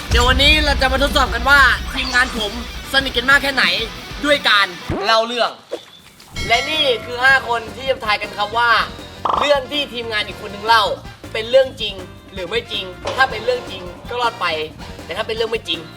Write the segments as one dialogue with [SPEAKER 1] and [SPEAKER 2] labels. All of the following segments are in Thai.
[SPEAKER 1] เดี๋ยววันนี้เราจะมาทดสอบกันว่าทีมงานผมสนิทกันมากแค่ไหนด้วยการเล่าเรื่อง และนี่คือ 5 คนที่จะทายกันครับว่า เรื่องที่ทีมงานอีกคนนึงเล่าเป็นเรื่องจริงหรือไม่จริง ถ้าเป็นเรื่องจริงก็รอดไป แต่ถ้าเป็นเรื่องไม่จริง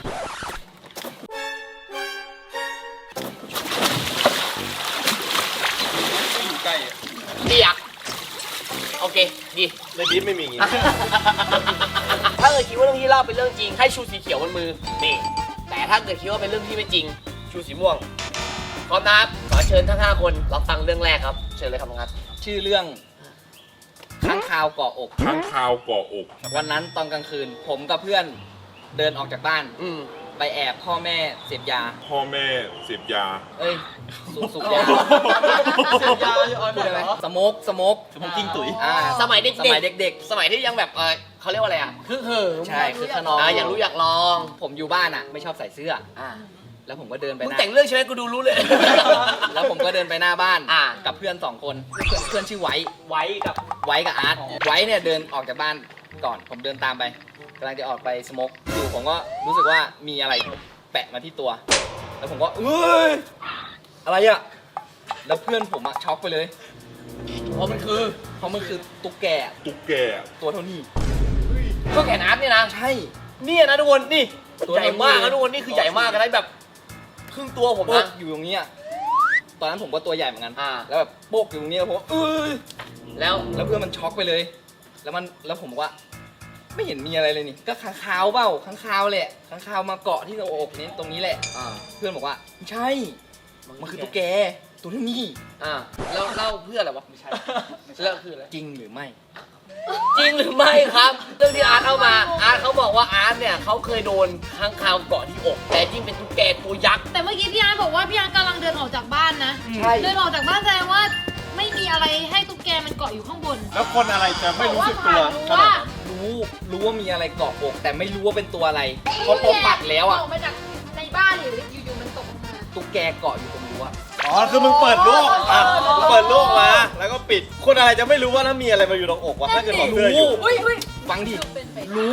[SPEAKER 1] ใกล้เรียกโอเคดี
[SPEAKER 2] ในคลิปไม่มีอย่างงี้
[SPEAKER 1] ถ้าเกิดคิดว่าเรื่องที่เล่าเป็นเรื่องจริงให้ชูสีเขียวบนมือนี่แต่ถ้าเกิดคิดว่าเป็นเรื่องที่ไม่จริงชูสีม่วงพร้อมนะครับขอเชิญทั้ง5คนรับฟังเรื่องแรกครับเชิญเลยครับน้องนัท
[SPEAKER 3] ชื่อเรื่องข้างคาวเกาะอก
[SPEAKER 2] ข้างคาวเกาะอก
[SPEAKER 3] วันนั้นตอนกลางคืน ผมกับเพื่อนเดินออกจากบ้าน ไปแอบพ่อแม่เสพยา
[SPEAKER 2] พ่อแม่เสพยา
[SPEAKER 3] เอ้ยสูบยา
[SPEAKER 1] เสพยาอยู่ออน
[SPEAKER 3] พูดได้ไหมสโมกกิ้งตุ๋ย
[SPEAKER 1] สมัยเด็ก
[SPEAKER 3] สมัยเด็ก
[SPEAKER 1] ๆสมัยที่ยังแบบเขาเรียกว่าอะไรอ่ะคือเหิม
[SPEAKER 3] ใช่คือขนอง
[SPEAKER 1] อยากรู้อยากลอง
[SPEAKER 3] ผมอยู่บ้านอ่ะไม่ชอบใส่เสื้อแล้วผมก็เดินไป
[SPEAKER 1] มึง
[SPEAKER 3] หน้า
[SPEAKER 1] แต่งเรื่องใช่ไหมกูดูรู้เลย
[SPEAKER 3] แล้วผมก็เดินไปหน้าบ้าน
[SPEAKER 1] อ่า
[SPEAKER 3] กับเพื่อน2 คนเพื่อนชื่อไว้
[SPEAKER 1] ไว้กับ
[SPEAKER 3] อาร์ตไว้เนี่ยเดินออกจากบ้านก่อนผมเดินตามไปกำลังจะออกไปสโมกอยู่ผมก็รู้สึกว่ามีอะไรแปะมาที่ตัว แล้วผมก็เอ้ยอะไรอะแล้วเพื่อนผมอะช็อกไปเลยเพราะมันคือตุ๊กแก
[SPEAKER 2] ตุ๊กแก
[SPEAKER 3] ตัวเท่านี้
[SPEAKER 1] ก็แขนอาร์ตเนี่ยนะ
[SPEAKER 3] ใช่
[SPEAKER 1] เนี่ยนะทุกคนนี่
[SPEAKER 3] ตัว
[SPEAKER 1] ใหญ่มาก
[SPEAKER 3] เท่านี้
[SPEAKER 1] นะทุกคนนี่คือใหญ่มากนะแบบครึ่งตัวผม
[SPEAKER 3] โป๊ก
[SPEAKER 1] นะ
[SPEAKER 3] อยู่ตรงนี้อะตอนนั้นผมก็ตัวใหญ่เหมือนกัน
[SPEAKER 1] แล้ว
[SPEAKER 3] แล้วแบบโป๊กอยู่ตรงนี้แล้วผมเอ้ย
[SPEAKER 1] แล้ว
[SPEAKER 3] แล้วเพื่อนมันช็อกไปเลย แล้วผมบอกว่า ไม่เห็นมีอะไรเลยนี่ ก็ค้างคาวเปล่าค้างคาวแหละค้างคาวมาเกาะที่หน้าอกนี้ตรงนี้แหละ เพื่อนบอกว่าไม่ใช่ มันคือตุ๊กแก ตัวเท่านี้
[SPEAKER 1] แล้วเล่าเพื่ออะไรวะไม่ใช่แล้วคืออะไร
[SPEAKER 3] จริงหรือไม่
[SPEAKER 1] จริงหรือไม่ครับเรื่องที่อาร์ตเอามาอาร์ตเขาบอกว่าอาร์ตเนี่ยเขาเคยโดนค้างคาวเกาะที่อก แต่จริงเป็นตุ๊กแกตัวยักษ์
[SPEAKER 4] แต่เมื่อกี้พี่อาร์ตบอกว่าพี่อาร์ตกำลังเดินออกจากบ้านนะ
[SPEAKER 3] ใช่
[SPEAKER 4] เดินออกจากบ้านแสดงว่าไม่มีอะไรให้ตุ๊กแกมันเกาะอยู่ข้างบน
[SPEAKER 2] แล้วคนอะไรจะไม่รู้สึกตัว
[SPEAKER 4] บอกว่า
[SPEAKER 3] รู้ว่ามีอะไรเกาะอก แต่ไม่รู้ว่าเป็นตัวอะไรเพราะผมปัดแล้วอะ
[SPEAKER 4] ออกมาจากในบ้านหรืออยู่ๆมันตกลงมา
[SPEAKER 3] ตุ๊กแกเกาะอยู่ตรงรั้ว
[SPEAKER 5] อ๋อ คือมึงเปิดลูกอ่ะเปิดลูกมา แล้วก็ปิด คนอะไรจะไม่รู้ว่าถ้ามีอะไรมาอยู่ตรงอกวะถ้าเกิดของเสื้ออยู่
[SPEAKER 4] อุ้ย
[SPEAKER 3] ฟังดิ
[SPEAKER 4] เป็นไป
[SPEAKER 3] รู้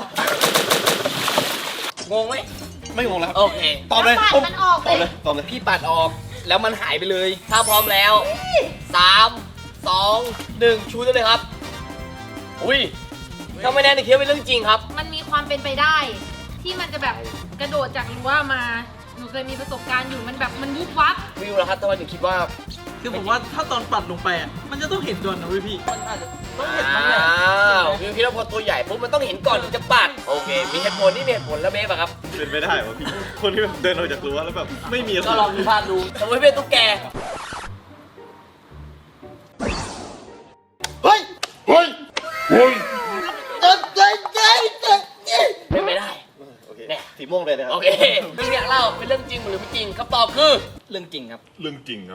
[SPEAKER 1] งงไหม
[SPEAKER 5] ไม่งงแล้วครับ
[SPEAKER 1] โอเค
[SPEAKER 5] ตอบเลย
[SPEAKER 4] ปัด
[SPEAKER 5] ปุ๊บ
[SPEAKER 4] มันออก
[SPEAKER 5] ตอบเลยตอบเลย
[SPEAKER 3] พี่ปัดออกแล้วมันหายไปเลย
[SPEAKER 1] ถ้าพร้อมแล้ว3 2 1ชูได้เลยครับอุ้ยถ้าไม่แน่ในคิดว่าเป็นเรื่องจริงครับ
[SPEAKER 4] มันมีความเป็นไปได้ ที่มันจะแบบกระโดดจากรั้วมาหนูเคยมีประสบการณ์อยู่มันแบบมันวุบวับ
[SPEAKER 1] วิวแล้วครับทำไมถึงคิดว่า
[SPEAKER 6] คือผมว่าถ้าตอนปัดลงไปอ่ะ มันจะต้องเห็นก่อนนะเว้ยพี่
[SPEAKER 1] ต้องเห็นมั้งเนี่ยวิวคิดว่าพอตัวใหญ่ปุ๊บมันต้องเห็นก่อนถึงจะปัดโอเค มีเหตุผลนี่มีเหตุผลแล้วเบฟอะครับ
[SPEAKER 5] เป็นไปได้วะพี่ คนที่แบบเดินออกจากรั้วแล้วแบบไม่มีอะไร
[SPEAKER 1] ก็ลองดูภาพดูสมมติเป็นตุ๊กแก
[SPEAKER 2] เฮ้ย เฮ้ย เฮ้ย
[SPEAKER 1] เป็นไม่ได้
[SPEAKER 5] โอเคสีม่วงเลยนะครับ
[SPEAKER 1] โอเคเรื่องเนี้ยเล่าเป็นเรื่องจริงหรือไม่จริงคำตอบคือ
[SPEAKER 3] เรื่องจริงครับ
[SPEAKER 2] เรื่องจริงครับ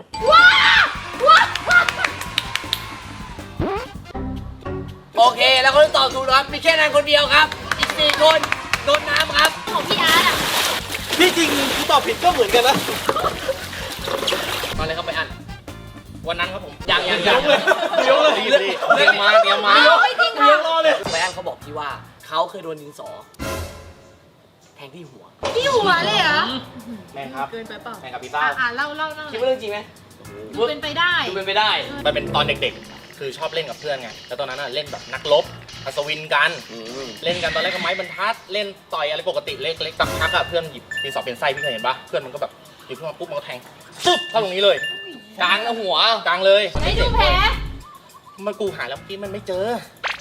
[SPEAKER 1] โอเค แล้วคนที่ตอบถูกนะครับมีแค่นั้นคนเดียวครับ อีก4คนโดนน้ำครับ
[SPEAKER 4] ของพี่อาร์ตอ่ะ
[SPEAKER 5] ที่จริงกูตอบผิดก็เหมือนกันนะ
[SPEAKER 1] ตอนเลยครับไปอ่าน
[SPEAKER 3] วันนั้นครับผม
[SPEAKER 1] ยัง
[SPEAKER 5] เลี้ยงเลยเลี้ยงเลย
[SPEAKER 3] เตรียมมา
[SPEAKER 4] ไม่จริง
[SPEAKER 5] เลี้ยง
[SPEAKER 4] ค่ะ
[SPEAKER 5] รอเลย
[SPEAKER 1] ไปอ่านเขาบอกพี่ว่าเขาเคยโดนดินสอ แทงที่หัว
[SPEAKER 4] พี่หัวเลยเหรอ
[SPEAKER 3] แม่ครับ
[SPEAKER 4] เกินไปเปล่า
[SPEAKER 3] แม่กับพี่เป้า
[SPEAKER 4] เล่า
[SPEAKER 1] คิดว่าเรื่องจริงไหม
[SPEAKER 4] ดูเป็นไปได้
[SPEAKER 1] ดูเป็นไปได้
[SPEAKER 3] มันเป็นตอนเด็กๆ คือชอบเล่นกับเพื่อนไง แล้วตอนนั้นน่ะเล่นแบบนักรบอัศวินกัน เล่นกันตอนแรกก็ไม้บรรทัด เล่นต่อยอะไรปกติเล็กๆสักพักอะเพื่อนหยิบดินสอเป็นไส้พี่เคยเห็นปะเพื่อนมันก็แบบหยิบขึ้นมาปุ๊บมันก็แทงปึ๊บเข้าตรงนี้เลย กลางหัวกลางเลย
[SPEAKER 4] ไม่ดูแผล
[SPEAKER 3] มันกูหาแล้วพี่มันไม่เจอ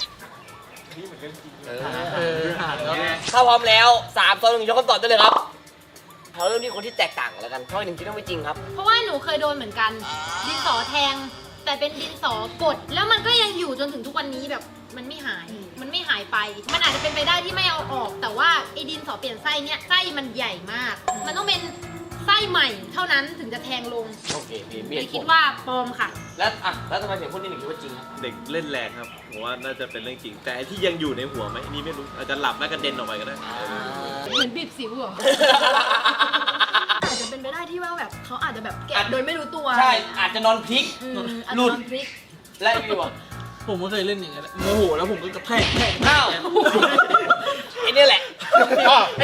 [SPEAKER 1] ถ้าพร้อมแล้ว3 2 1ยกคำตอบได้เลยครับเขาเริ่มที่คนที่แตกต่างกันแล้วกันเพราะหนึ่งคิดว่าไม่จริงครับ
[SPEAKER 4] เพราะว่าหนูเคยโดนเหมือนกัน ดินสอแทง แต่เป็นดินสอกด แล้วมันก็ยังอยู่จนถึงทุกวันนี้แบบมันไม่หาย มันไม่หายไป มันอาจจะเป็นไปได้ที่ไม่เอาออก แต่ว่าไอ้ดินสอเปลี่ยนไส้เนี่ยไส้มันใหญ่มาก มันต้องเป็นไส้ใหม่เท่านั้นถึงจะแทงลง
[SPEAKER 1] โอเคมี
[SPEAKER 4] เลยคิดว่าปลอมค่ะ
[SPEAKER 1] แล้วทำไมถึงพูดนี่หนึ่งคิดว่าจริงครับ
[SPEAKER 5] เด็กเล่นแรงครับ ผมว่าน่าจะเป็นเรื่องจริง แต่ไอ้ที่ยังอยู่ในหัวไหมอันนี่ไม่รู้ อาจจะหลับแล้วกระเด็นออกไปก็ได้
[SPEAKER 4] เหมือนบีบสิวเหรอ อาจจะเป็นไปได้ที่ว่าแบบเขาอาจจะแบบแกะโดยไม่รู้ตัว
[SPEAKER 1] ใช่อาจจะนอนพลิก
[SPEAKER 4] หลุดพริก
[SPEAKER 1] และวิวอ่ะ
[SPEAKER 6] ผมก็เคยเล่นอย่างนั้นแหละโมโหแล้วผมก็กระแทก
[SPEAKER 1] อ้าวไอ้นี่แหละ
[SPEAKER 2] อ๋อ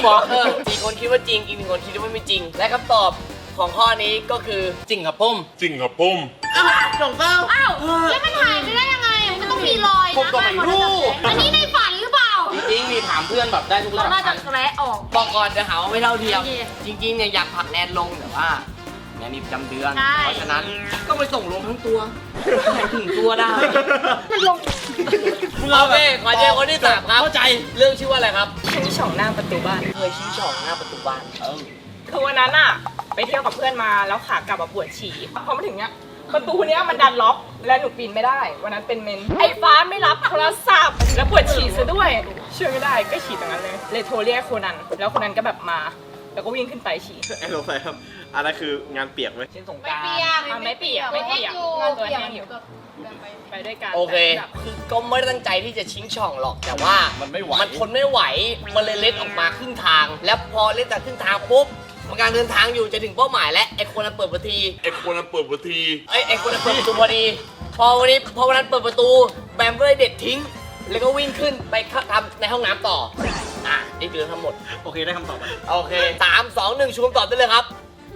[SPEAKER 3] เหรอ
[SPEAKER 1] สี่คนคิดว่าจริง อีกหนึ่งคนคิดว่าไม่จริง และคำตอบของข้อนี้ก็คือ
[SPEAKER 3] จริงครับพุ่ม
[SPEAKER 2] จริงครับผม
[SPEAKER 6] จงเต้า
[SPEAKER 4] อ้าวแล้วมันหายไปได้ยังไง มันต้องมีรอยนะ
[SPEAKER 3] ผมก็ไม่รู้
[SPEAKER 4] อันนี้ในฝันหรือเปล่า
[SPEAKER 3] จริงๆมีถามเพื่อนแบบได้ทุกระ
[SPEAKER 4] เรา
[SPEAKER 3] ดับ
[SPEAKER 4] น่าจะแกะออก
[SPEAKER 1] บอกก่อนจะหาว่าไม่เท่าเทียม
[SPEAKER 4] โอเค
[SPEAKER 1] จริงๆเนี่ยอยากผลักแนนลงแต่ว่าแนนมีประจำเดือน
[SPEAKER 4] ใช่
[SPEAKER 1] เพราะฉะนั้นก็ไปส่งลงทั้งตัวให้ถึงตัวได้
[SPEAKER 4] มันลง
[SPEAKER 1] โอเคขอเจอคนที่สามครับ
[SPEAKER 3] เข้าใจ
[SPEAKER 1] เรื่องชื่อว่าอะไรครับ
[SPEAKER 7] ชี้ช่องหน้าประตูบ้าน
[SPEAKER 1] เคยชี้ช่องหน้าประตูบ้าน
[SPEAKER 7] คือวันนั้นอะไปเที่ยวกับเพื่อนมาแล้วขากลับมาปวดฉี่พอมาถึงเนี้ยประตูเนี้ยมันดันล็อกและหนูปีนไม่ได้ วันนั้นเป็นเมนไอ้ฟ้าไม่รับโทรศัพท์แล้วปวดฉี่ซะด้วยช่วยไม่ได้ก็ฉี่ตรงนั้นเลยโทรเรียกโคนันแล้วโคนันก็แบบมา แล้วก็วิ่งขึ้นไปฉี่
[SPEAKER 5] ไอ้สงสัยครับอันนั้นคืองานเปียกไหม
[SPEAKER 3] เช่นสงก
[SPEAKER 4] ไม่
[SPEAKER 3] ราน
[SPEAKER 4] เปีย
[SPEAKER 3] ต์
[SPEAKER 4] ก
[SPEAKER 7] ไม่เปียกไม่เปียก
[SPEAKER 4] อยู่
[SPEAKER 7] งานตัวแห้งอยู่
[SPEAKER 4] เปีกก็ไป
[SPEAKER 7] ไปด้วยกัน
[SPEAKER 1] โอเค
[SPEAKER 7] แบบ
[SPEAKER 1] คือก็ไม่ได้ตั้งใจที่จะชิงช่องหรอก แต่ว่ามัน
[SPEAKER 5] ไม่ไหว
[SPEAKER 1] มันทนไม่ไหว มันเลยเล็ดออกมาครึ่งทาง แล้วพอเล็ดจากครึ่งทางปุ๊บมันกำลังเดินทางอยู่จะถึงเป้าหมายแล้วไอ้คนนั้นเปิดประตู
[SPEAKER 2] ไอ้คนนั้นเปิดประตู
[SPEAKER 1] ไอ้คนนั้นเปิดประตูพอดี พอวันนั้นเปิดประตู แบมก็เลยเด็ดทิ้ง แล้วก็วิ่งขึ้นไปทำในห้องน้ำต่อ นี่คือทั้งหมด
[SPEAKER 5] โอเคได้คำตอบไหม
[SPEAKER 1] โอเค3 2 1ชูคำตอบได้เลยครับ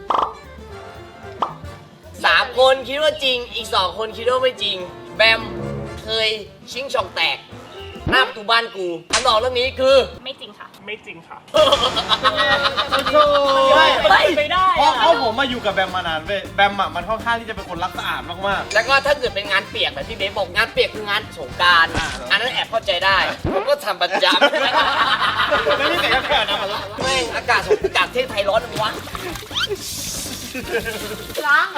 [SPEAKER 1] 3 คนคิดว่าจริง อีก 2 คนคิดว่าไม่จริง แบมเคยชิงช่องแตก หน้าประตูบ้านกูคำตอบเรื่องนี้คือ
[SPEAKER 7] ไม่จริงค่ะ ไม่จริงค่ะ
[SPEAKER 5] ไม่ได้เพราะผมมาอยู่กับแบมมานานเว้ยแบมอ่ะมันค่อนข้างที่จะเป็นคนรักสะอาดมาก
[SPEAKER 1] แล้วก็ถ้าเกิดเป็นงานเปียกแบบที่เบสบอกงานเปียกคืองานสงกราร อันนั้นแอบเข้าใจได้ ผมก็ทำประจำ
[SPEAKER 5] ๆแล้วนี่แต่ก็แค่นั้นมันละ
[SPEAKER 1] แม่งอากาศเทศไทยร้อนจังวะ
[SPEAKER 4] ล้างเหรอ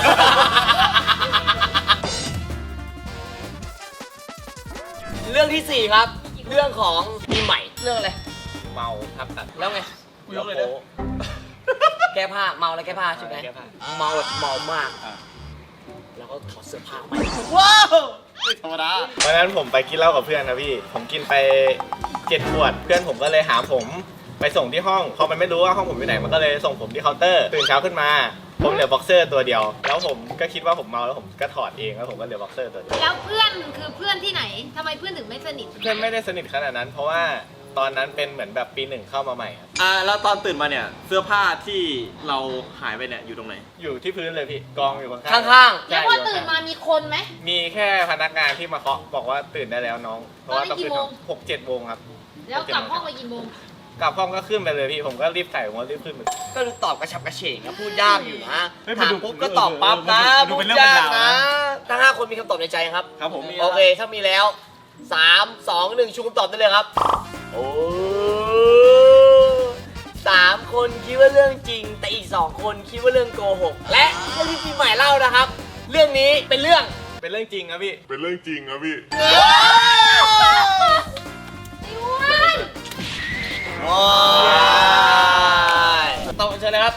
[SPEAKER 1] เรื่องที่ 4 ครับ เรื่องของปีใหม่ เรื่องอะไร
[SPEAKER 5] เมาครับตัด
[SPEAKER 1] แล้วไง
[SPEAKER 5] กูยกเลยนะ
[SPEAKER 1] แก้ผ้า เมาแล้วแก้ผ้าใช่ไหม
[SPEAKER 5] แก้ผ้า
[SPEAKER 1] เมาแบบเมามาก
[SPEAKER 5] อ่ะ
[SPEAKER 1] แล้วก็ถอดเสื้อผ้าไป
[SPEAKER 5] ว้าวไม่ธรรมดาวันนั้นผมไปกินเหล้ากับเพื่อนนะพี่ ผมกินไป7 ขวด เพื่อนผมก็เลยหาผมไปส่งที่ห้องพอมันไม่รู้ว่าห้องผมอยู่ไหน มันก็เลยส่งผมที่เคาน์เตอร์ ตื่นเช้าขึ้นมา ผมเหลือบ็อกเซอร์ตัวเดียว แล้วผมก็คิดว่าผมเมาแล้วผมก็ถอดเองแล้วผมก็เหลือบ็อกเซอร์ตัวเดียว
[SPEAKER 4] แล้วเพื่อนคือเพื่อนที่ไหนทำไมเพื่อนถึงไม่สนิท
[SPEAKER 5] เพื่อนไม่ได้สนิทขนาดนั้น เพราะว่าตอนนั้นเป็นเหมือนแบบปี 1เข้ามาใหม่ครับ
[SPEAKER 8] แล้วตอนตื่นมาเนี่ยเสื้อผ้าที่เราหายไปเนี่ยอยู่ตรงไหน
[SPEAKER 5] อยู่ที่พื้นเลยพี่กองอยู่ข้างๆ
[SPEAKER 1] ข้าง
[SPEAKER 4] แล้วพอตื่นมามีคนไหม
[SPEAKER 5] มีแค่พนักงานที่มาเคาะบอกว่าตื่นได้แล้วน้อง เพราะว่าต้องขึ้น
[SPEAKER 4] ตอนนี้กี่โมง
[SPEAKER 5] 6-7 โมงครับ
[SPEAKER 4] แล้วกลับห้องไปกี่โมง
[SPEAKER 5] กลับห้องก็ขึ้นไปเลยพี่ ผมก็รีบใส่ผมก็รีบขึ้นไป
[SPEAKER 1] ๆ ก็ดูตอบกระฉับกระเฉงนะพูดยากอยู่นะ
[SPEAKER 5] เฮ้ย
[SPEAKER 1] ถาม
[SPEAKER 5] ดู
[SPEAKER 1] ปุ๊บก็ตอบปั๊บนะ
[SPEAKER 5] ดู
[SPEAKER 1] พู
[SPEAKER 5] เป็
[SPEAKER 1] ด
[SPEAKER 5] นเรื่องเป็
[SPEAKER 1] ยาน ก
[SPEAKER 5] ราว
[SPEAKER 1] นะ
[SPEAKER 5] นะ
[SPEAKER 1] ทั้ง5 คนมีคำตอบในใจครับ
[SPEAKER 5] ครับผม
[SPEAKER 1] โอเค ถ้ามีแล้ว 3 2 1 ชูคำตอบได้เลยครับ โอ้3 คนคิดว่าเรื่องจริง แต่อีก 2 คนคิดว่าเรื่องโกหก และเรื่องที่ปีใหม่เล่านะครับ เรื่องนี้เป็นเรื่อง
[SPEAKER 5] เป็นเรื่องจริงครับพี่
[SPEAKER 2] เป็นเรื่องจริงครับพี่
[SPEAKER 1] ต้องเชิญนะครับ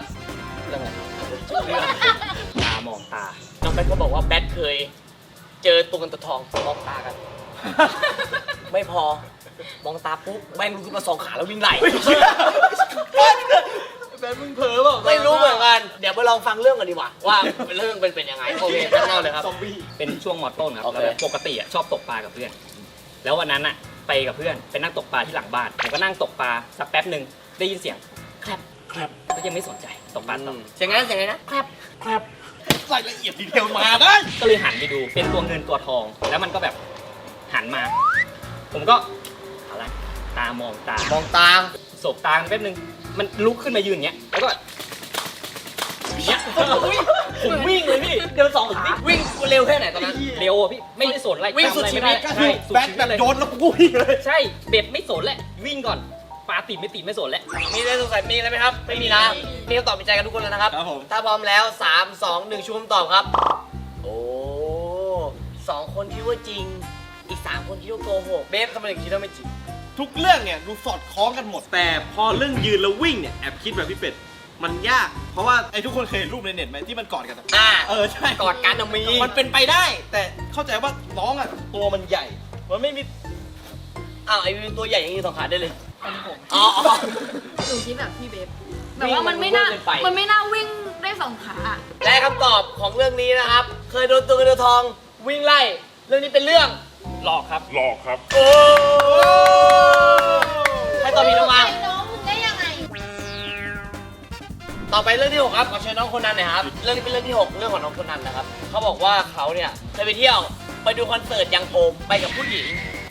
[SPEAKER 3] ตามองตา
[SPEAKER 1] น้องแบทก็บอกว่าแบทเคย เจอตัวเงินตัวทองมองตากัน ไม่พอ มองตาปุ๊บแม่งลุกขึ้นมา2 ขาแล้ววิ่งไล่
[SPEAKER 5] แบนมึงเผลอเปล่า
[SPEAKER 1] ไม่รู้เหมือนกัน เดี๋ยวไปลองฟังเรื่องกันดีกว่า ว่าเรื่องเป็นยังไง โอเคเล่าเลยครับ
[SPEAKER 5] ซอมบี้
[SPEAKER 3] เป็นช่วงมอต้นครับ
[SPEAKER 1] โอเค
[SPEAKER 3] แล้วแบบปกติอะชอบตกปลากับเพื่อน แล้ววันนั้นอะไปกับเพื่อนไปนั่งตกปลาที่หลังบ้านผมก็นั่งตกปลาสักแป๊บหนึ่งได้ยินเสียงแคลบก็ยังไม่สนใจตกปลาต่อ
[SPEAKER 1] เสียงนั้นเสียงอะไรนะแคบ
[SPEAKER 5] ใส่ละเอียดดีเทลมาได้
[SPEAKER 3] ก็เลยหันไปดูเป็นตัวเงินตัวทอง แล้วมันก็แบบหันมา ผมก็อะไรตามองตาม
[SPEAKER 1] องตา
[SPEAKER 3] สบตาแป๊บนึงมันลุกขึ้นมายืนอย่างเงี้ยแล้วก็อย่างเงี้ยผมวิ่งเลยพี่เดิน2 ขา
[SPEAKER 1] วิ่งเร็วแค่ไหนตอนนั้น
[SPEAKER 3] เร็วอะพี่ไม่ได้สนอะไร
[SPEAKER 1] วิ่งสุด
[SPEAKER 3] จำอะไร
[SPEAKER 1] ชีวิ
[SPEAKER 3] ไม่
[SPEAKER 1] ต
[SPEAKER 3] ได้ใช่สุด
[SPEAKER 5] แบน
[SPEAKER 3] ชีวิ
[SPEAKER 5] แบ
[SPEAKER 3] ต
[SPEAKER 5] บ
[SPEAKER 3] เลย
[SPEAKER 5] โยนแล้วกูวิ่งเลย
[SPEAKER 3] ใช่เบ็ดไม่สนแหละวิ่งก่อนปลาติดไม่ติดไม่สนแล้ว
[SPEAKER 1] มีอะไรสงสัยมีอะไรไหมครับ ไม่มีนะ มีคำตอบในใจกันทุกคนแล้วนะครับ
[SPEAKER 5] ครับผม
[SPEAKER 1] ถ้าพร้อมแล้ว 3 2 1ชูคำตอบครับ โอ้2 คนคิดว่าจริง อีก 3 คนคิดว่าโกหก เบฟทำไมถึงคิดว่าไม่จริง
[SPEAKER 8] ทุกเรื่องเนี่ยดูสอดคล้องกันหมด แต่พอเรื่องยืนแล้ววิ่งเนี่ยแอบคิดแบบพี่เป็ดมันยาก เพราะว่าไอ้ทุกคนเคยเห็นรูปในเน็ตไหมที่มันกอดกันอะ ใช่
[SPEAKER 1] กอดกันอะมี
[SPEAKER 8] มันเป็นไปได้ แต่เข้าใจว่าน้องอ่ะตัวมันใหญ่ มันไม่มี
[SPEAKER 1] อ้าวไอ้วิวตัวใหญ่อย่างนี้2 ขาได้เลย
[SPEAKER 4] เป็นผม
[SPEAKER 1] อ๋อ
[SPEAKER 4] หนูคิดแบบพี่เบฟแบบว่ามันไม่น่า
[SPEAKER 1] วิ่งมันเกินไป
[SPEAKER 4] มันไม่น่าวิ่งได้2 ขา
[SPEAKER 1] และคำตอบของเรื่องนี้นะครับ เคยโดนตัวเงินตัวทองวิ่งไล่ เรื่องนี้เป็นเรื่อง
[SPEAKER 3] หลอกครับ
[SPEAKER 2] หลอกครับ
[SPEAKER 1] โอ้ให้ตอบผิดออกมา
[SPEAKER 4] น้องมึงได้ยังไง
[SPEAKER 1] 6ครับขอเชิญน้องคนนั้นหน่อยครับ เรื่องนี้เป็นเรื่องที่ 6 เรื่องของน้องคนนั้นนะครับเขาบอกว่าเขาเนี่ยเคยไปเที่ยวไปดูคอนเสิร์ตยังโอมไปกับผู้หญิง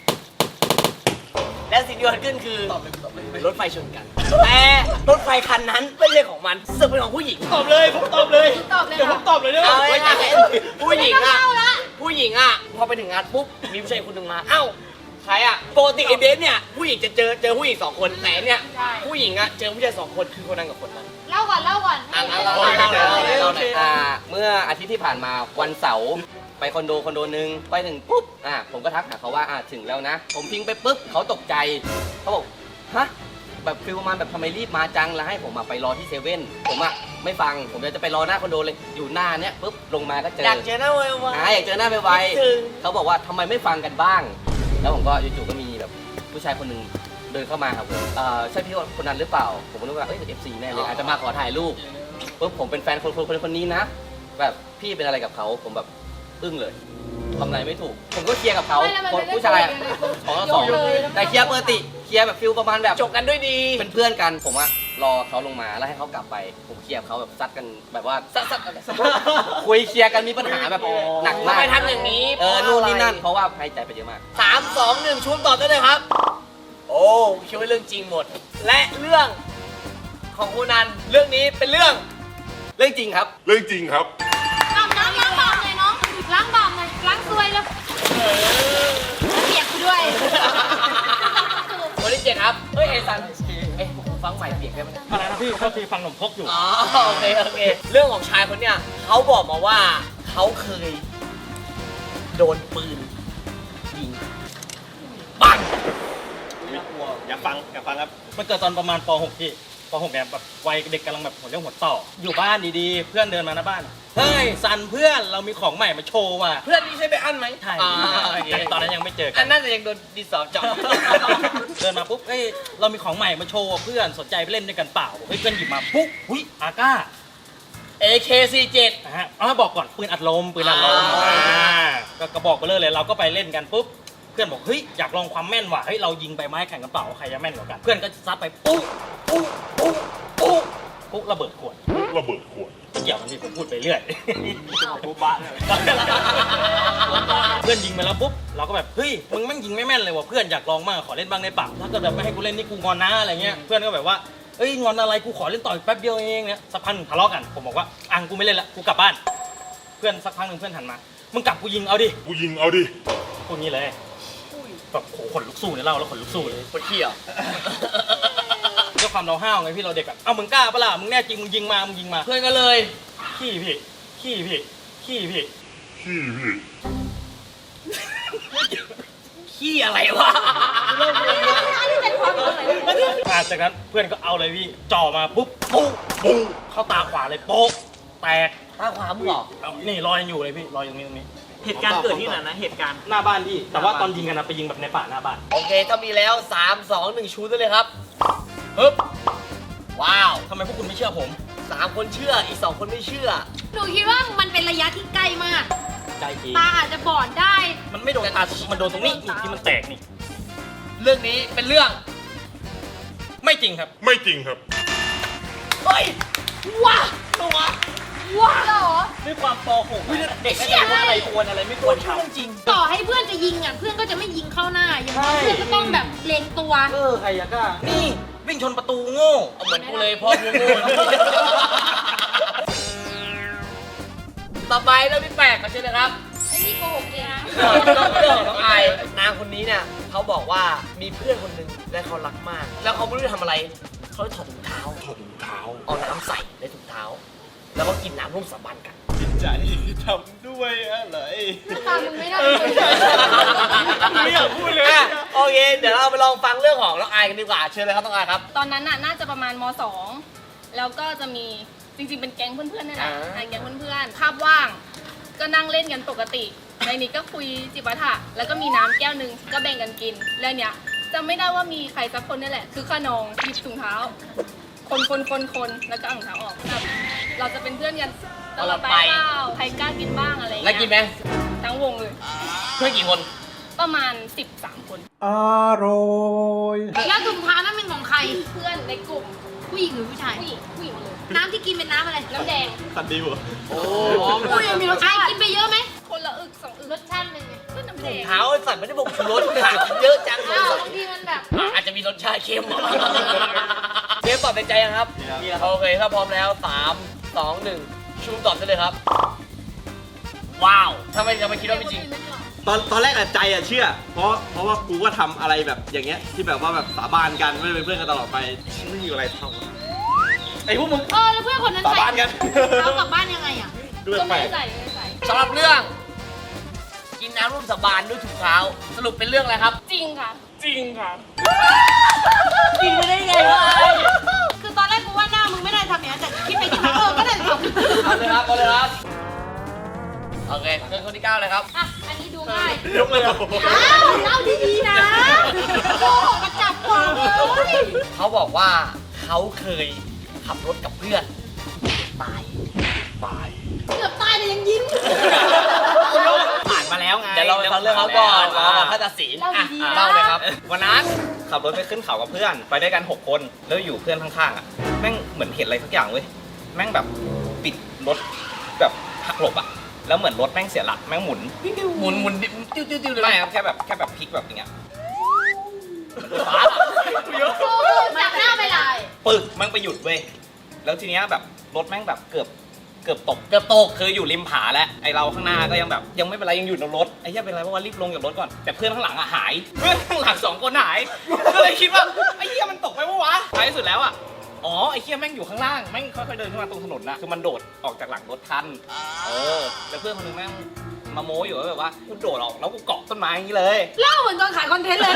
[SPEAKER 1] และสิ่งที่เกิดขึ้นคือรถไฟชนกัน แต่รถไฟคันนั้นไม่ใช่ของมันซึ่งเป็นของผู้หญิง
[SPEAKER 8] ตอบเลยผมตอบเลย
[SPEAKER 4] ตอบเลย
[SPEAKER 8] เดี๋ยวผมตอบเลยเด้อ
[SPEAKER 1] เอา
[SPEAKER 8] ไว้ใจ
[SPEAKER 1] ง่ายๆผู้หญิงอ่ะผู้หญิงอ่ะพอไปถึงงานปุ๊บมีผู้ชายคนหนึ่งมาเอ้าใครอ่ะปกติไอ้เบสเนี่ยผู้หญิงจะเจอผู้หญิง2 คนแต่เนี่ยผู้หญิงอ่ะเจอผู้ชาย2 คนคือคนนั้นกับคนนั้น
[SPEAKER 4] เล่าก่อนเล่าก่อน
[SPEAKER 1] อ่ะงั้นเราเมื่ออาทิตย์ที่ผ่านมาวันเสาร์ไปคอนโดนึงไปถึงปุ๊บผมก็ทักหาเขาว่าถึงแล้วนะ ผมพิงไปปุ๊บเขาตกใจเขาบอกฮะแบบฟีลประมาณแบบทำไมรีบมาจังแล้วให้ผมไปรอที่เซเว่นผมไม่ฟังผมจะไปรอหน้าคอนโดเลยอยู่หน้าเนี้ยปุ๊บลงมาก็เจออยากเจอหน้าไวอยากเจอหน้าไวเขาบอกว่าทำไมไม่ฟังกันบ้าง แล้วผมก็จู่ๆก็มีแบบผู้ชายคนหนึ่งเดินเข้ามาครับผมใช่พี่คนนั้นหรือเปล่าผมก็นึกว่าเป็น FC แน่เลยอาจจะมาขอถ่ายรูปปุ๊บผมเป็นแฟนคนนี้นะแบบพี่เป็นอะไรกับเขาผมแบบอึ้งเลยทำอะไรไม่ถูกผมก็เคลียร์กับเขาผู้ชาย2-2แต่เคลียร์ปกติเคลียร์แบบฟิลประมาณแบบจบกันด้วยดีเป็นเพื่อนกันผมรอเขาลงมาแล้วให้เขากลับไปผมเคลียร์เขาแบบซัดกันแบบว่าซัดคุยเคลียร์กันมีปัญหาแบบหนักมากไม่ทำอย่างนี้นู่นนี่นั่นเพราะว่าให้ใจไปเยอะมาก3 2 1ชุบตอบได้เลยครับโอ้คิดว่าเรื่องจริงหมดและเรื่องของคุณนันเรื่องนี้เป็นเรื่องจริงครับ
[SPEAKER 2] เรื่องจริงครับ
[SPEAKER 4] ล้างบาปเลยน้องล้างบาปเลยล้างซวยแล้วเปียกกูด้วย
[SPEAKER 1] คนที่7ครับเฮ้ยไอ้ซันฟังใหม่เปียกได้ไหม
[SPEAKER 6] อะไรนะพี่ก็คือฟังหนมพกอยู่
[SPEAKER 1] อ๋อโอเคเรื่องของชายคนเนี้ยเขาบอกมาว่าเขาเคยโดนปืนยิงปัง
[SPEAKER 8] อยากฟังครับ
[SPEAKER 6] มันเกิดตอนประมาณป .6 พี่ป .6 เนี่ยแบบวัยเด็กกำลังแบบหัวเรี่ยวหัวต่ออยู่บ้านดีๆ เพื่อนเดินมาหน้าบ้านเฮ้ยซันเพื่อนเรามีของใหม่มาโชว์ว่ะ
[SPEAKER 1] เพื่อนนี่ใช่ไปอันไหม
[SPEAKER 6] ใช่
[SPEAKER 1] โอเค
[SPEAKER 6] ตอนนั้นยังไม่เจอกั
[SPEAKER 1] อั
[SPEAKER 6] น
[SPEAKER 1] นน่าจะยังโดนดินสอเจาะ
[SPEAKER 6] เดินมาปุ๊บเฮ้ยเรามีของใหม่มาโชว์เพื่อนสนใจไปเล่นด้วยกันเปล่าเฮ้ยเพื่อนหยิบมาปุ๊บหุ้ยอาก้า
[SPEAKER 1] AK47
[SPEAKER 6] นะฮะบอกก่อนปืนอัดลมก็กระบอกไปเลยเราก็ไปเล่นกันปุ๊บเพื่อนบอกเฮ้ยอยากลองความแม่นว่ะเฮ้ยเรายิงใบไม้แข่งกันเปล่าใครจะแม่นกว่ากันเพื่อนก็ซัดไปปุ๊บระเบิดขวด
[SPEAKER 2] ระเบิดขวด
[SPEAKER 6] เกี่ยวกันที่ผมพูดไปเรื่อยปุ๊บบ้าเพื่อนยิงไปแล้วปุ๊บเราก็แบบเฮ้ยมึงแม่งยิงไม่แม่นเลยว่ะเพื่อนอยากลองบ้างขอเล่นบ้างได้ปะถ้าเกิดแบบไม่ให้กูเล่นนี่กูงอนนะอะไรเงี้ยเพื่อนก็แบบว่าเอ้ยงอนอะไรกูขอเล่นต่ออีกแป๊บเดียวเองเนี่ยสักพักหนึ่งทะเลาะกันผมบอกว่ากูไม่เล่นละกูกลับบ้านเพื่อนสักพักหนึ่งเพื่อนหันมามึงกลับกูยิงเอาดิ
[SPEAKER 2] กูยิงเอาดิ
[SPEAKER 6] พูดงี้เลยแบบโหขนลุกสู้เนี่ยเล่าแล้วขนลุกสู้เลย
[SPEAKER 1] ปวดขี้เหรอ
[SPEAKER 6] ด้วยความเราห้าวไงพี่เราเด็กอะมึงกล้าปะล่ะมึงแน่จริงมึงยิงมา
[SPEAKER 1] เพื่อนก็เลย
[SPEAKER 6] ขี้พี่
[SPEAKER 2] ขี้พี่
[SPEAKER 1] ขี้อะไรวะ
[SPEAKER 6] จากนั้นเพื่อนก็เอาเลยพี่จ่อมาปุ๊บปุ๊บเข้าตาขวาเลยโป๊ะแตก
[SPEAKER 1] ตาขวามึงเหรอ
[SPEAKER 6] นี่รอยยังอยู่เลยพี่รอยตรงนี้
[SPEAKER 8] เหตุการณ์เกิดที่ไหนนะเหตุการณ์
[SPEAKER 6] หน้าบ้านพี่แต่ว่าตอนยิงกันนะไปยิงแบบในป่าหน้าบ้าน
[SPEAKER 1] โอเคถ้ามีแล้ว3 2 1ชูได้เลยครับปึ๊บว้าว
[SPEAKER 6] ทำไมพวกคุณไม่เชื่อผม
[SPEAKER 1] 3 คนเชื่ออีก2 คนไม่เชื่อ
[SPEAKER 4] หนูคิดว่ามันเป็นระยะที่ใกล้มาก
[SPEAKER 6] ใจจริง
[SPEAKER 4] ตาอาจจะบอดได้
[SPEAKER 6] มันไม่โดนตามันโดนตรงนี้นี่ที่มันแตกนี่
[SPEAKER 1] เรื่องนี้เป็นเรื่อง
[SPEAKER 6] ไม่จริงครับ
[SPEAKER 2] ไม่จริงครับ
[SPEAKER 1] เฮ้ยว้าตัว
[SPEAKER 4] ว้าวเหรอ
[SPEAKER 6] ด้วยความป .6 เด็กก็จะรู้ว่าอะไรควรอะไรไม่ควรทำจริง
[SPEAKER 4] ต่อให้เพื่อนจะยิงอ่ะเพื่อนก็จะไม่ยิงเข้าหน้าอย่างน้อย
[SPEAKER 6] ใช่
[SPEAKER 4] เพื่อนก็ต้องแบบเล็งตัว
[SPEAKER 6] ใครอะกล้านี่วิ่งชนประตูโง่
[SPEAKER 1] เหมือนกูเลยพ่อกูโง่ต่อไปเรื่องที่8กันใช่ไหมครับ
[SPEAKER 4] ไอ้นี่โกหกเองนะ
[SPEAKER 1] เรื่องของน้องไอนางคนนี้เนี่ยเขาบอกว่ามีเพื่อนคนหนึ่งและเขารักมาก แล้วเขาไม่รู้จะทำอะไรเขาเลยถอดถุงเท้าเอาน้ำใส่ในถุงเท้า แล้วก็กินน้ำร่วมสาบานกัน
[SPEAKER 8] จิตใจทำด้วยอะไร
[SPEAKER 4] ตามมึงไม่ได้
[SPEAKER 8] ไม่อยากพูดเลย
[SPEAKER 1] โอเค เดี๋ยวเราไปลองฟังเรื่องของน้องไอกันดีกว่าเชิญเลยครับน้องไอครับ
[SPEAKER 9] ตอนนั้นน่าจะประมาณม .2 แล้วก็จะมีจริงๆเป็นแก๊งเพื่อนๆนี่แหละแก๊งเพื่อนๆคาบว่าง ก็นั่งเล่นกันปกติ ในนี้ก็คุยจิปาถะแล้วก็มีน้ำแก้วนึงก็แบ่งกันกินแล้วเนี้ยจำไม่ได้ว่ามีใครสักคนนี่แหละคือขนองหยิบถุงเท้า คนแล้วก็เอาถุงเท้าออกแบบเราจะเป็นเพื่อนกันตลอดไปเปล่าใครกล้ากินบ้างอะไรอย่าง
[SPEAKER 1] แล้ว
[SPEAKER 9] เงี้ย
[SPEAKER 1] กินไหม
[SPEAKER 9] ทั้งวงเลย
[SPEAKER 1] เพื่อนกี่คน
[SPEAKER 9] ประมาณ13 คน
[SPEAKER 4] แล้วถุงเท้านั้นเป็นของใคร
[SPEAKER 9] เพื่อนในกลุ่ม
[SPEAKER 4] ผู้หญิงหรือผู้ชาย
[SPEAKER 9] ผู้หญิงหมดเลย
[SPEAKER 4] น้ำที่กินเป็นน้ำอะไร
[SPEAKER 9] น้ำแดง
[SPEAKER 8] สันดีวะ
[SPEAKER 1] โอ้
[SPEAKER 4] อุ้ยมีรสชาติกินไปเยอะไหม
[SPEAKER 9] คนละอึก2 อึก
[SPEAKER 4] รสชาติเป็นไง
[SPEAKER 9] ก็น้ำแดง
[SPEAKER 1] เท้าไอ้สัตว์ไม่ได้บอกชูรสขาดเยอะจังเลย
[SPEAKER 4] อ้าวบางทีมันแบบ
[SPEAKER 1] อาจจะมีรสชาติเค็มเชฟตอบในใจยังครับโอเคถ้าพร้อมแล้ว 3 2 1 ชูตอบได้เลยครับ ว้าวทำไมจะไม่คิดว่าไม่จริง
[SPEAKER 8] ตอนแรกอะใจอะเชื่อ เพราะว่ากูก็ทำอะไรแบบอย่างเงี้ยที่แบบว่าแบบสาบานกันไม่ได้เป็นเพื่อนกันตลอดไปไม่มีอะไรเท่าไอ้พวกมึง
[SPEAKER 4] แล้วเพื่อนคนนั้น
[SPEAKER 8] สา
[SPEAKER 4] ใส่
[SPEAKER 8] บานกัน
[SPEAKER 4] เรากลับบ้านยังไงอ่ะ
[SPEAKER 8] ด้วย
[SPEAKER 9] ก็
[SPEAKER 8] แปล
[SPEAKER 9] ไม่
[SPEAKER 8] ก
[SPEAKER 9] ใส่ไม่ใส่
[SPEAKER 1] สำหรับเรื่อง กินน้ำร่วมสาบานด้วยถุงเท้า สรุปเป็นเรื่องอะไรครับ
[SPEAKER 9] จริงค่ะ
[SPEAKER 6] จริงค่ะ
[SPEAKER 1] กินไม่ได้ไงวะ
[SPEAKER 4] คือตอนแรกกูว่าหน้ามึงไม่ได้ทำอย่างนั้นแต่คิดไปคิดมาก็ได้ทำ
[SPEAKER 1] เอาเลยครับเอาเลยครับ โอเคเชิญคนที่ 9 เลยครับ
[SPEAKER 4] อ่ะ อันนี้ดูง่าย
[SPEAKER 8] ยกเลยเหรอ
[SPEAKER 4] อ้าวเล่าดีๆนะโกหกมาจับกวางเลย
[SPEAKER 1] เขาบอกว่าเขาเคยขับรถกับเพื่อน ตาย
[SPEAKER 4] เกือบตายแต่ยังยิ้ม
[SPEAKER 3] ผ่านมาแล้วไง
[SPEAKER 1] เดี๋ยวเราไปฟังเรื่องเขาก่อนเราถ้าตัดสิน
[SPEAKER 4] เล่าดีๆนะ
[SPEAKER 1] เล่าเลยครับ
[SPEAKER 3] วันนั้นขับรถไปขึ้นเขากับเพื่อน ไปด้วยกัน 6 คนแล้วอยู่เพื่อนข้างๆอ่ะแม่งเหมือนเห็นอะไรสักอย่างเว้ยแม่งแบบปิดรถแบบหักหลบอ่ะแล้วเหมือนรถแม่งเสียหลักแม่งหมุน
[SPEAKER 1] หมุนติ้วเลย
[SPEAKER 3] ไม่ครับแค่แบบพลิกแบบอย่างเงี้ย
[SPEAKER 1] ฟ้า
[SPEAKER 4] จับหน้าไปเลย
[SPEAKER 3] ปึกแม่งไปหยุดเว้ยแล้วทีเนี้ยแบบรถแม่งแบบเกือบตก
[SPEAKER 1] เกือบตก
[SPEAKER 3] คืออยู่ริมผาแล้วไอเราข้างหน้าก็ยังแบบยังไม่เป็นไรยังอยู่ในรถไอ้เหี้ยเป็นไรเพราะว่ารีบลงจากรถก่อนแต่เพื่อนข้างหลังอะหายเพื่อนข้างหลัง2 คนหายก็เลยคิดว่าไอ้เหี้ยมันตกไปปะวะท้ายสุดแล้วอะอ๋อไอ้เหี้ยแม่งอยู่ข้างล่างแม่งค่อยๆเดินขึ้นมาตรงถนนนะคือมันโดดออกจากหลังรถทันแล้วเพื่อนคนนึงแม่งมาโม้อยู่ว่าแบบว่ากูโดดออกแล้วกูเกาะต้นไม้อย่างนี้เลย
[SPEAKER 4] เล่าเหมือนตอนขายคอนเทนต์เลย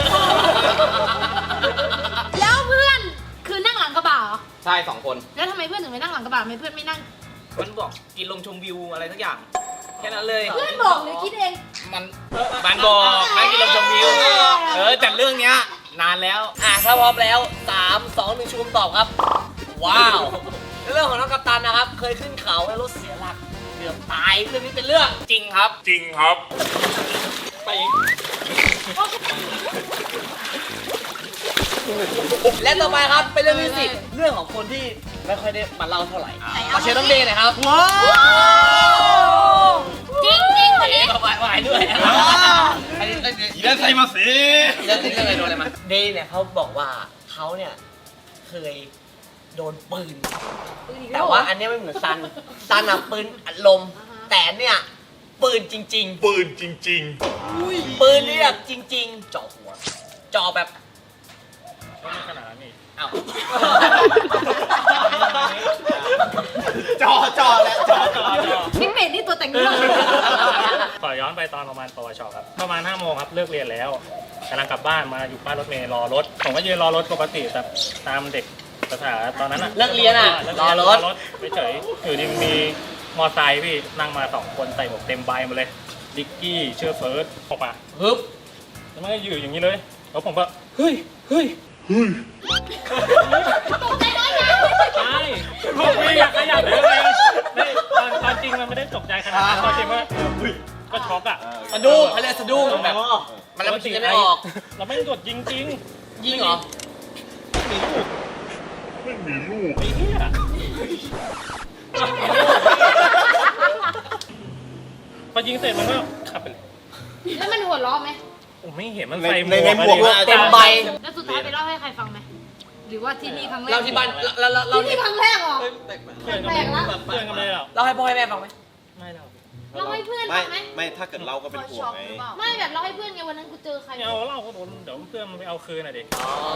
[SPEAKER 4] แล้วเพื่อนคือนั่งหลังกระบะเหรอ
[SPEAKER 3] ใช่2 คน
[SPEAKER 4] แล้วทำไมเพื่อนถึงไม่นั่งหลังกระบะทำไมเพื่อนไม่นั่ง
[SPEAKER 3] มันบอกกินลมชมวิวอะไรสักอย่างแค่นั้นเลย
[SPEAKER 4] เพื่อนบอกหรือคิดเอง
[SPEAKER 3] มันบอกแม่งกินลมชมวิวแต่เรื่องเนี้ยนานแล้ว
[SPEAKER 1] ถ้าพร้อมแล้ว 3 2 1 ชูมตอบครับ ว้าวเรื่องของน้องกัปตันนะครับ เคยขึ้นเขาแล้วรถเสียหลักเกือบตายเรื่องนี้เป็นเรื่อง
[SPEAKER 3] จริงครับ
[SPEAKER 2] จริงครับ
[SPEAKER 3] ไปอีก
[SPEAKER 1] และต่อไปครับเป็นเรื่องที่10เรื่องของคนที่ไม่ค่อยได้มาเล่าเท่าไหร่เอาเชิญน้องเดย์หน่อยครับว้าว
[SPEAKER 4] จริงจริงคนนี้
[SPEAKER 1] ไหวด้วยอันนี้
[SPEAKER 8] อีนั่นใส่มาสิ
[SPEAKER 1] เรื่องที่เคยโดนอะไรมาเดย์เนี่ยเขาบอกว่าเขาเนี่ยเคยโดนปืน แต่ว่าอันเนี้ยไม่เหมือนซันอะปืนอัดลม แต่เนี่ยปืนจริง
[SPEAKER 2] ปืนจริง
[SPEAKER 1] ๆ ปืนนี่แบบจริง ๆ เจาะหัวเจาะแบบ
[SPEAKER 6] ไม่ขนาดนั้นนี่
[SPEAKER 1] อ้าว
[SPEAKER 8] จอแล้วจอ
[SPEAKER 4] พี่เป็ดนี่ตัวแต่งเรื่อง
[SPEAKER 6] ขอย้อนไปตอนประมาณปวชครับ ประมาณ5 โมงครับ เลิกเรียนแล้วกำลังกลับบ้านมาอยู่ป้ายรถเมล์รอรถ ผมก็ยืนรอรถปกติแต่ตามเด็กภาษาตอนนั้นอะ
[SPEAKER 1] เลิกเรียนอะรอรถ
[SPEAKER 6] ไปเฉยอยู่ดีมีมอไซค์พี่นั่งมา2 คนใส่หมวกเต็มใบหมดเลย ดิกกี้เชื่อเฟิร์สออกมา
[SPEAKER 1] ฮึบ
[SPEAKER 6] แล้วมันก็อยู่อย่างนี้เลย แล้วผมก็เฮ้ยใช่ผมไม่อยากขยับเลยตอนจริงมันไม่ได้ตกใจขนาดนั้นตอนจริงว่าก็ช็อกอะ
[SPEAKER 1] สะดุ้งเขาเรียกสะดุ้งแบบมันแล้วมันคิดไม่ออก
[SPEAKER 6] เราไม่กดยิงจริง
[SPEAKER 1] ยิงเหรอ
[SPEAKER 2] ไม่มีลูก
[SPEAKER 6] ไอ้เหี้ยพอยิงเสร็จมันก็ขับไปเลย
[SPEAKER 4] แล้วมันหัวเราะไหม
[SPEAKER 6] ผมไม่เห็นมันใส่หม
[SPEAKER 8] ในหมว
[SPEAKER 6] ว
[SPEAKER 8] ก
[SPEAKER 6] ก
[SPEAKER 1] เต็มใบ
[SPEAKER 4] แล้วสุดท้ายไปเล่าให้ใครฟังไหมหรือว่าที่นี่ครั้งแรก
[SPEAKER 1] เราที่บ้านเรา
[SPEAKER 4] ที่นี่ครั้งแรกเหรอ
[SPEAKER 6] เพื่อนกันเลยเหรอ
[SPEAKER 1] เราให้พ่อให้แม่ฟังไหม
[SPEAKER 6] ไม่เรา
[SPEAKER 4] เราให้เพื่อน
[SPEAKER 8] ไม่
[SPEAKER 4] ฟังไหม
[SPEAKER 8] ไม่ถ้าเกิดเราก็เป็นห่วงไง
[SPEAKER 4] ไม่แบบเราให้เพื่อนไงวันนั้นกูเจอใคร
[SPEAKER 6] ไม่เอาเล่าก็โดนเดี๋ยวเพื่อนมันไปเอาคืนอ่ะดิ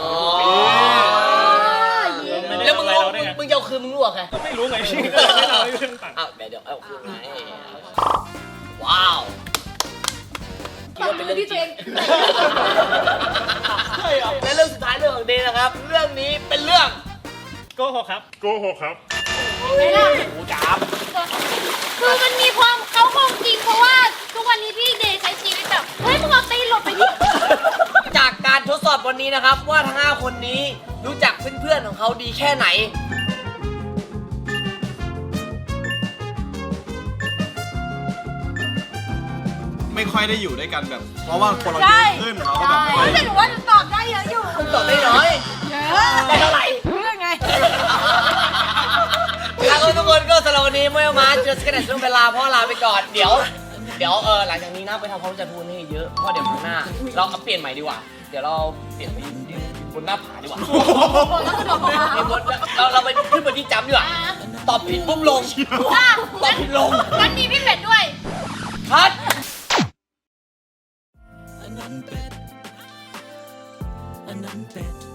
[SPEAKER 1] แล้วมึงจะเอาคืนมึงรู้เหรอใคร
[SPEAKER 6] ก็ไม่รู้ไงพี่ก็เลยไม่เล่าให้เพื่อนฟัง
[SPEAKER 1] อ้าวเดี๋ยวเอาคืนไงว้าวคิดว่าเป็นเรื่องจริงและเรื่องสุดท้ายเรื่องของเดย์นะครับ เรื่องนี้เป็นเรื่อง
[SPEAKER 6] โกหกครับ
[SPEAKER 2] โกหกครับ
[SPEAKER 4] ไม่ล่ะ
[SPEAKER 1] หูจับ
[SPEAKER 4] คือมันมีความเขาคงจริงเพราะว่าทุกวันนี้พี่เดย์ใช้ชีวิตแบบเฮ้ยมึงเอาตีนหลบไปดิ
[SPEAKER 1] จากการทดสอบวันนี้นะครับ ว่าทั้ง5คนนี้รู้จักเพื่อนๆของเขาดีแค่ไหน
[SPEAKER 8] ไม่ค่อยได้อยู่ด้วยกันแบบ เพราะว่าคนเราเยอะขึ้นเราก็แบบไม่ค่อย
[SPEAKER 4] แต่หนูว่าหนูตอบได้เยอะอยู่
[SPEAKER 1] ตอบได้น้อย
[SPEAKER 4] เยอะ
[SPEAKER 1] ได้เท่าไหร่
[SPEAKER 4] เพื่อนไง
[SPEAKER 1] จะขนาดช่วงเวลาพ่อลาไปก่อนเดี๋ยวหลังจากนี้นะไปทำความรู้จักทุกคนให้เยอะเพราะเดี๋ยวข้างหน้าเราเอาเปลี่ยนใหม่ดีกว่าเดี๋ยวเราเปลี่ยนไปยืนบนหน้าผาดีกว่าเราไปขึ้นบนที่จำดีกว่าตอบผิดปุ๊บลงตอบผิดลง
[SPEAKER 4] งั้นมีพี่เป็ดด้วย
[SPEAKER 1] คัด
[SPEAKER 10] อันนั้นเป็ด